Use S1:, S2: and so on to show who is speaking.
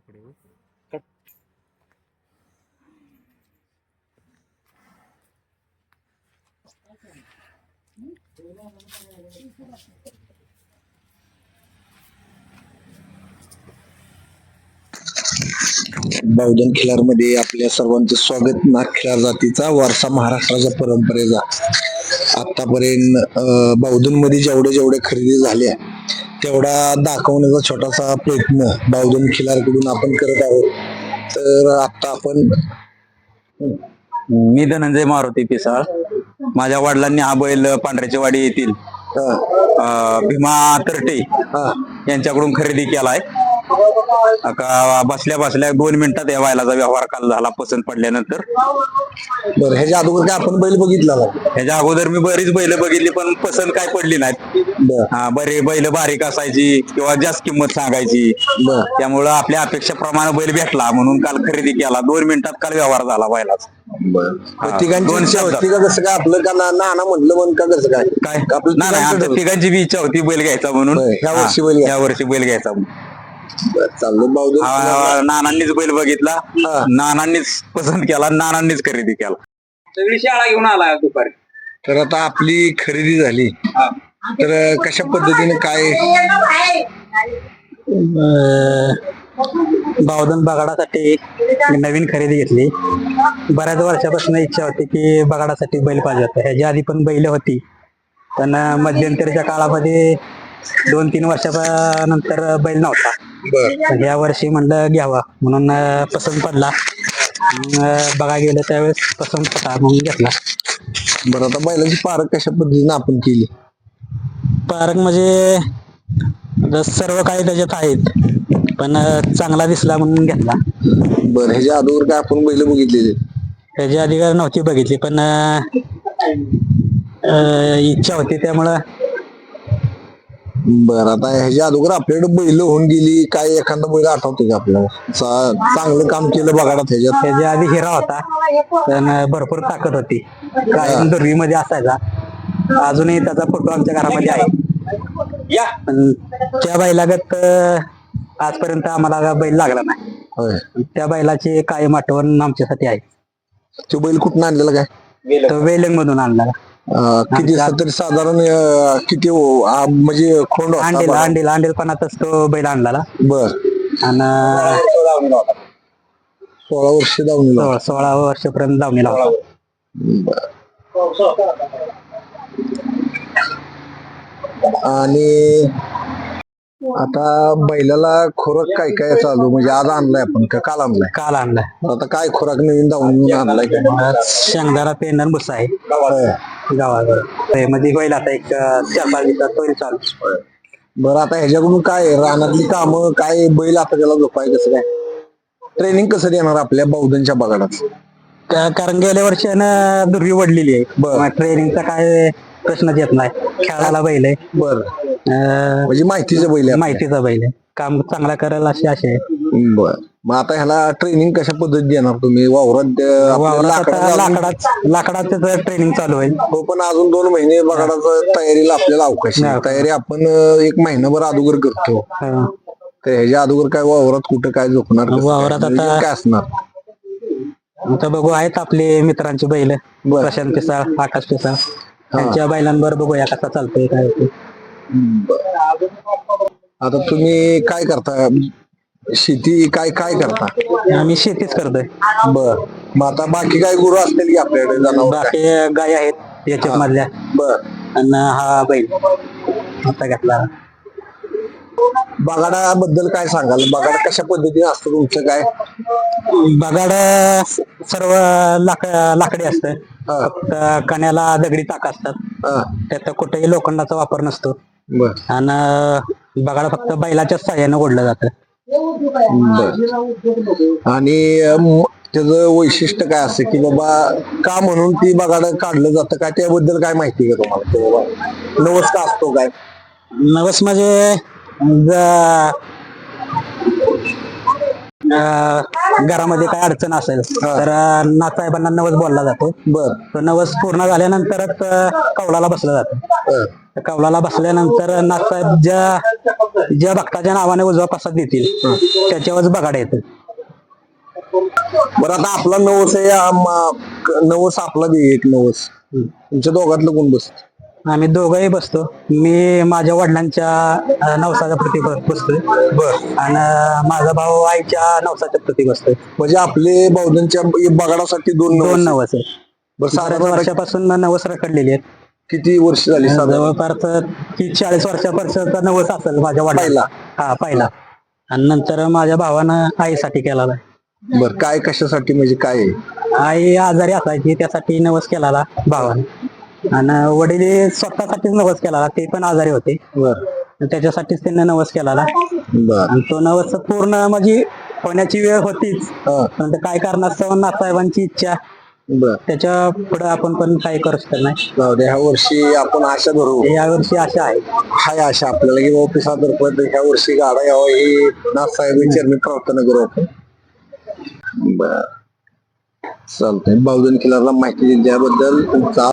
S1: पुढे हो.
S2: बावधन खिलारमध्ये आपल्या सर्वांचं स्वागत. नाथ खिलार जातीचा वारसा महाराष्ट्राच्या परंपरेचा आतापर्यंत बावधन मध्ये जेवढे खरेदी झाल्या तेवढा दाखवण्याचा छोटासा प्रयत्न बावधन खिलारकडून आपण करत आहोत. तर आता आपण
S3: मी धनंजय मारुती पिसाळ. माझ्या वडिलांनी हा बैल पांढऱ्याची वाडी येथील भीमा तरटे यांच्याकडून खरेदी केलाय. बसल्या बसल्या 2 मिनिटात या बैलाचा व्यवहार काल झाला पसंत पडल्यानंतर.
S2: बरं, ह्याच्या अगोदर काय आपण बैल बघितला ना?
S3: ह्याच्या अगोदर मी बरीच बैल बघितली पण पसंत काय पडली नाहीत. बरे बैल बारीक असायची किंवा जास्त किंमत सांगायची, त्यामुळं आपल्या अपेक्षेप्रमाणे बैल भेटला म्हणून काल खरेदी केला. 2 मिनिटात काल व्यवहार झाला बैलाचा.
S2: कसं काय आपलं का नाना म्हटलं म्हणून का कसं काय
S3: काय नाही, आमच्या तिघांची बी इच्छा होती बैल घ्यायचा म्हणून. या वर्षी बैल घ्यायचा
S2: चाललं बावधन.
S3: नानांनीच बैल बघितला, नानांनीच पसंत केला, नानांनीच खरेदी केला. सगळी शाळा घेऊन आला दुपारी.
S2: तर आता आपली खरेदी झाली, तर कशा पद्धतीने काय
S4: बावधन बगाडासाठी नवीन खरेदी घेतली. बऱ्याच वर्षापासून इच्छा होती की बगाडासाठी बैल पाहिजे होता. ह्याच्या आधी पण बैल होती, पण मध्यंतरीच्या काळामध्ये 2-3 वर्षानंतर बैल नव्हता. पण या वर्षी म्हणलं घ्यावा म्हणून पसंत पडला. बघा गेलं त्यावेळेस पसंत पडला म्हणून घेतला.
S2: बरं, आता बैलाची पारख कशा पद्धतीने आपण केली?
S4: पारख म्हणजे सर्व काही त्याच्यात आहेत, पण चांगला दिसला म्हणून घेतला.
S2: बरं, ह्याच्या अगोदर काय आपण बैल बघितलेली?
S4: ह्याच्या आधी नव्हती बघितली, पण इच्छा होती त्यामुळं.
S2: बरं, आता ह्याच्या अगोदर आपल्याकडे बैल होऊन गेली, काय एखादा बैल आठवते का आपल्याला चांगलं काम केलं बघा ह्याच्यात?
S4: त्याच्या आधी हिरा होता, पण भरपूर ताकद होती, कायम दुर्वीमध्ये असायचा. अजूनही त्याचा फोटो आमच्या घरामध्ये आहे. पण त्या बैलागत आजपर्यंत आम्हाला बैल लागला नाही. त्या बैलाची कायम आठवण आमच्यासाठी आहे.
S2: तो बैल कुठून आणलेला काय?
S4: तो वेलंग मधून आणला.
S2: किती तरी साधारण किती म्हणजे खोंड
S4: अंडीलपणातच तो बैल आणला.
S2: बर,
S4: आणि
S2: 16 वर्ष दावणीला.
S4: 16 वर्षापर्यंत दावणीला होता.
S2: आणि आता बैलाला खुराक काय काय चालू, म्हणजे आज आणलाय आपण का काल आणलाय?
S4: काल आणलाय.
S2: आता काय खुराक नवीन दावून आणलाय?
S4: शेंगदाणा पेंडण बुसा आहे गावाकडे मध्ये बैल. आता एक 4-5 दिवसात बैल चालू.
S2: बरं, आता ह्याच्याकडून काय रानातली कामं काय, बैल आता त्याला झोपाय कसं काय, ट्रेनिंग कसं देणार आपल्या बावधनच्या बगाडात?
S4: कारण गेल्या वर्षी दुर्वी वडलेली आहे. ट्रेनिंगचा काय प्रश्नच येत नाही. खेळायला बैल आहे.
S2: बर, म्हणजे माहितीचं बैल आहे.
S4: माहितीचा बैल आहे. काम चांगला करायला अशी आशा आहे.
S2: बर, मग आता ह्याला ट्रेनिंग कशा पद्धतीत देणार तुम्ही? वावरात
S4: लाकडाचं ट्रेनिंग चालू आहे.
S2: हो, पण अजून 2 महिने बगाडाचं तयारीला आपल्याला अवकाश आहे. तयारी आपण 1 महिनाभर अगोदर करतो. तर ह्याच्या अगोदर काय वावरात कुठं काय झोपणार?
S4: वावरात आता
S2: काय असणार?
S4: आता बघू, आहेत आपले मित्रांची बैल, प्रशांत पिसाळ, आकाश पिसाळ, त्यांच्या बैलांवर बघूया कसा चालतोय काय होते.
S2: आता तुम्ही काय करता? शेती काय काय करता?
S4: आम्ही शेतीच करतोय.
S2: बर, मग आता बाकी काय गुरु असतील की आपल्याकडे? जनावर
S4: बाकी गाय आहेत याच्यात मधल्या.
S2: बर,
S4: आणि हा बैल आता घेतला.
S2: बगाडाबद्दल काय सांगाल? बगाड कशा पद्धतीने असतं तुमचं? काय
S4: बगाड सर्व लाकडी असतं. फक्त कण्याला दगडी टाक असतात. त्यात कुठेही लोखंडाचा वापर नसतो. आणि बगाड फक्त बैलाच्या साह्यानं ओढलं जातं.
S2: आणि त्याचं वैशिष्ट्य काय असतं की बाबा का म्हणून ती बगाड काढलं जातं काय, त्याबद्दल काय माहिती का तुम्हाला? नवस का असतो काय?
S4: नवस म्हणजे घरामध्ये काय अडचण असेल तर नाथसाहेबांना नवस बोलला जातो.
S2: बर,
S4: तो नवस पूर्ण झाल्यानंतरच कौलाला बसलं जातं. कौलाला बसल्यानंतर नाथसाहेब ज्या ज्या भक्ताच्या नावाने उजवा प्रसाद देतील त्याच्यावरच बगाड येतं.
S2: बरं आता आपला नवस आहे नवस आपला दे एक नवस तुमच्या दोघातलं कोण बसत?
S4: आम्ही दोघंही बसतो. मी माझ्या वडिलांच्या नवसाच्या प्रती बसतोय आणि माझा भाऊ आईच्या नवसाच्या प्रती बसतोय.
S2: म्हणजे आपले बौद्धांच्या बगाडासाठी दोन
S4: दोन
S2: नवस.
S4: नवस आहे.
S2: बरं
S4: बऱ्याच
S2: साधारण
S4: वर्षापासून नवस रखडलेली आहेत.
S2: किती वर्ष झाली साधारण?
S4: जवळपास 30-40 वर्षापर्यंत नवस असेल माझ्या वडिलांना. हा पहिला. आणि नंतर माझ्या भावानं आईसाठी केलेला आहे.
S2: बर काय कशासाठी म्हणजे काय आहे?
S4: आई आजारी असायची त्यासाठी नवस केलेला भावाने. आणि वडील स्वतःसाठीच नवस केलेला, ते पण आजारी होते.
S2: बर
S4: त्याच्यासाठीच त्यांनी नवस केलेला.
S2: बर
S4: आणि तो नवस पूर्ण म्हणजे होण्याची वेळ होतीच. पण ते काय कारणास्तव नाथसाहेबांची इच्छा,
S2: बर
S4: त्याच्या पुढे आपण पण काही करू शकत नाही.
S2: जाऊ दे, ह्या वर्षी आपण आशा धरू.
S4: यावर्षी आशा आहे.
S2: हाय आशा आपल्याला की बाबा पिसादर पद ह्या वर्षी गाडा यावा ही नाथसाहेब चरणी प्रार्थना करू आपण. बर चालतंय. बावधन किल्ल्याला माहिती दिल्याबद्दल तुमचा